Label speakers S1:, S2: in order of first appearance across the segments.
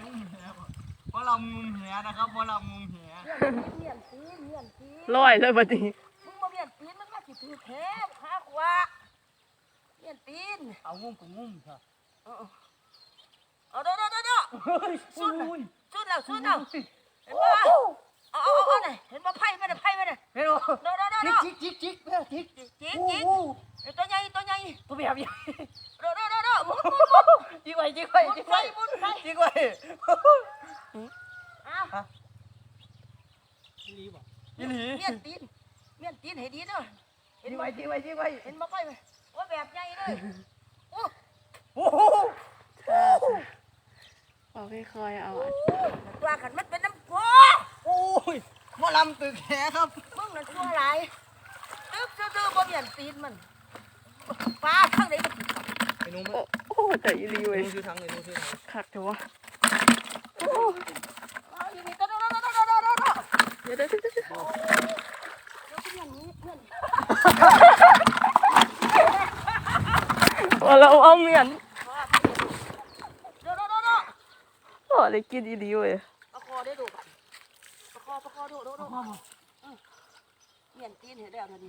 S1: งุ้มแหเพราะเรางุ้มแหนะครับเพราะเรางุ้มแห
S2: เมียนตีน
S3: ลอยเลยบัดนี้
S2: มึงมาเมียนตีนมันมาสิถือแท้ข้าขวาเมียนตีน
S1: เอางุ้มกับงุ้มค่ะ
S2: เอาเด้อสุดแล้วเห็นป่ะเอาไหนเห็นป่ะไพ่ไม่ได้
S1: เห็นป่ะจิก
S2: ตัวใหญ่
S1: ตัวแบบใหญ่จิกไว้
S2: มุนไฟ
S1: จิกไว้ยี่หลี
S2: เมียนตีนให้ดีเด้อ
S1: จิกไว้
S2: เห็นป่ะไพ่ไหมว่าแบบใหญ่เลย
S1: โอ้โห
S3: บอกค่อยๆเอา
S2: ตัวขันมันเป็นน้ำโพ
S1: โอ้ยหมอลำตึกแหครับ
S2: มึงนั่นตัวไรตื้อบ่เมียนตีนมันปลาทั้งไหนมันติดกับ
S1: ไอ้นุ่ม
S3: โอ้แต่อีลีเว้ย
S1: ชื่อทางเลยนุ่มชื่อทาง
S3: คักเถอะวะ
S2: เดี๋ยว
S3: เราเอาเมียนโอ้เลยกินอีลีเว้ย
S2: ประคอได้ดูประคอดูเมียนตีนเห็นแล้วนี่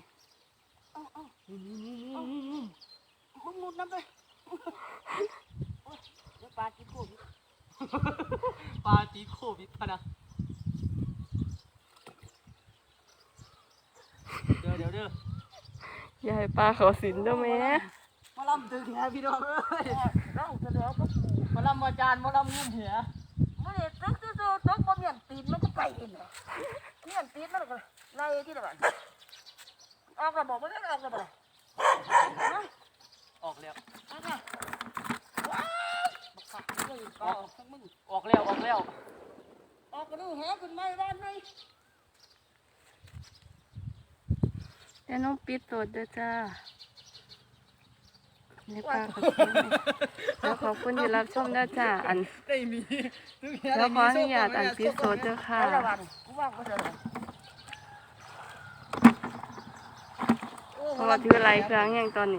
S2: มึงมุดน้ำไปปลาจีโควิด
S1: พะนะเด้อ
S3: อย่าให้ปลาเขาสินเด้อแม่
S1: มาลำตึกแหพี่น้องเอ้ย
S2: เราจะเดี๋ยวก็
S1: มาลำมาจานมาลำงุ้มแห
S2: ไม่ได้ตึกบ่เมียนตีนมันก็ไปเองเมียนตีนมันก็ไล่ที่ละบ้านออกระบอกไม่ได้ออกระบอก
S1: ออกแล้ว
S2: ว้าวบักขัดเลยออกทั้งมึง
S1: ออกแล้ว
S2: ออกกระดูกแหขึ้นไม่บ้านไหม
S3: เดี๋ยวน้องปิดตัวเด้อจ้านี่ปลาเขาแล้วขอบคุณที่รับชมนะจ้า
S1: ได้มี
S3: แล้วขออนุญาตปิดตัวเด้อค่ะเพราะว่าถือไรครั้งอย่างตอนนี้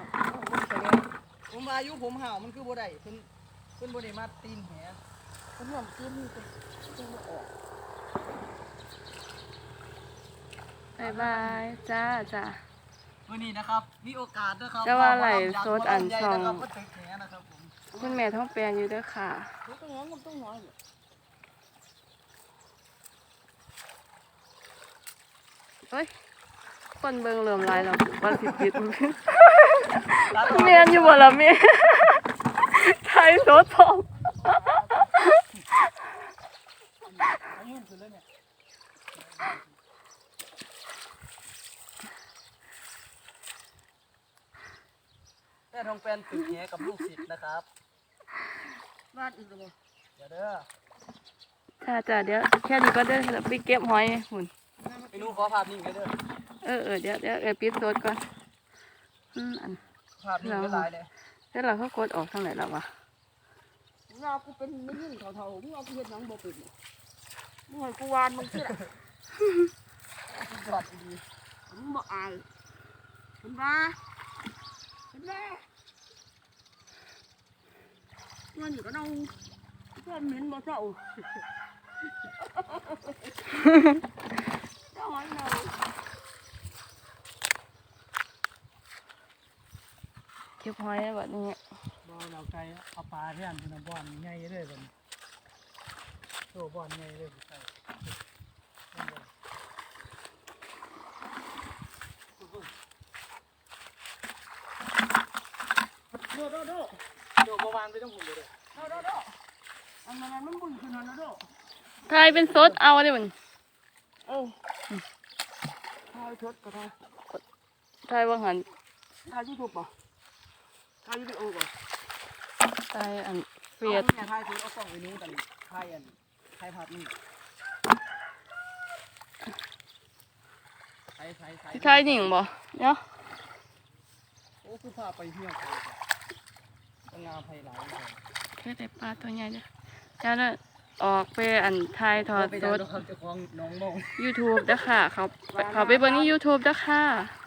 S1: ผมอายุผมห่าวมันคือบ่ได้เพิ่นบ่ได้มาตีนแห
S2: เพิ่นเหมือนตีนนี่เป็น
S3: ออกบายจ้า
S1: วันนี้นะครับมีโอกาสนะครับ
S3: จะว่าไหลโซดอันช่อง
S1: คุ
S3: ณแม่ท้องแปลงอยู่ด้วยค่ะเฮ้ยคนเบิ่งเริ่มลายแล้ววันสิปิดเมียนอยู่บ่ละเมียไทยโซดทอง
S1: แม่ทองแปลนตึกแหกับลูกศิษย์นะครับ
S2: บ้านอีกเลย
S1: เดี๋ยวเด้อ
S3: จ้าเดี๋ยวแค่นี้ก็ได้ไปเก็บหอยหุ่น
S1: ไปดูขอภาพนิ่งเลยเด้
S3: อเดี๋ยวปิดโซดก่อนอัน
S1: ภาพนิ่งไม่ลายเลย
S3: แล้วเราเขากดออกทางไหนแล้ววะ
S2: งากูเป็นไม่ยิ่งเท่ามึงเอากูเห็นหนังบ่เป็นมึงให้กูวานมึงเชื่อ
S1: จอดดี
S2: มึงบ่อายเห็นปะเงินอยู่กับเราเพื่อนเหม็นบ่เจ้าเจ้าหอยเรา
S3: เก็บหอยแบบนี้
S1: บ่เราไกลเอาปลาที่อันเป็นบ่อนใหญ่เลยแบบโตบ่อนใหญ่เลยใช่โดมาวางไปต้องหุ่นเลย
S2: อันนั้นมันบุญขนาดนั้น
S3: ไทยเป็นซดเอาเลยมัน
S2: ไทยชดก็ได้
S3: ไทยว่าหัน
S2: ไทยยูทูบป่ะไทยยูทูบป่ะ
S3: ไทยเฟียด
S1: ไทยคือเอาส่องไปนู้นกันไทยผัดนี่
S3: ไทยหนิงบ่เนาะ
S1: โอ้คือพาไปเที่ยวงามไพเราะ
S3: แค่แต่ปลาตัวใหญ่เจ้าเนี่ยออกไปไทยทอดสด YouTube นะค่ะเขาไปเบิ่งใน YouTube นะค่ะ